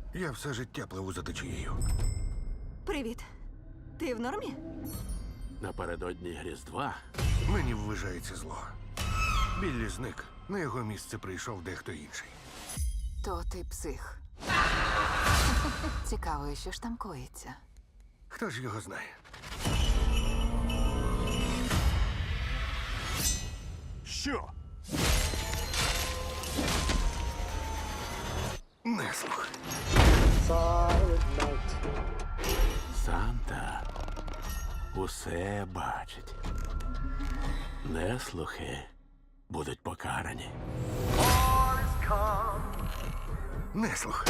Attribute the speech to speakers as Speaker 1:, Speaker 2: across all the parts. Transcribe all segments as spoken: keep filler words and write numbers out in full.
Speaker 1: Я все життя пливу за течією.
Speaker 2: Привіт. Ти в нормі?
Speaker 3: Напередодні Різдва
Speaker 1: Мені ввижається зло. Біллі зник. На його місце прийшов дехто інший.
Speaker 4: То ти псих. Цікаво, що ж там коїться.
Speaker 1: Хто ж його знає?
Speaker 3: Що?
Speaker 1: Не слух.
Speaker 3: Санта усе бачить. Неслухи будуть покарані.
Speaker 1: Не слух.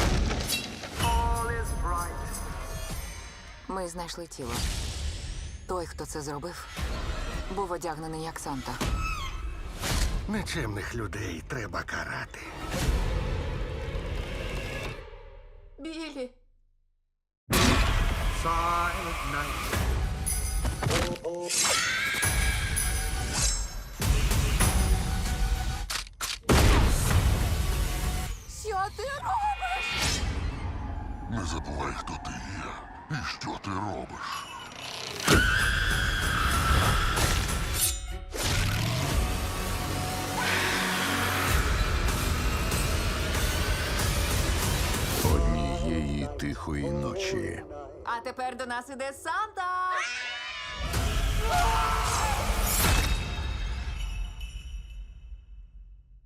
Speaker 4: Ми знайшли тіло. Той, хто це зробив, був одягнений як Санта.
Speaker 1: Нечемних людей треба карати.
Speaker 4: Білі. Що ти робиш?
Speaker 5: Не забувай, хто ти є і що ти робиш.
Speaker 6: Однієї тихої ночі
Speaker 4: А тепер до нас іде Санта!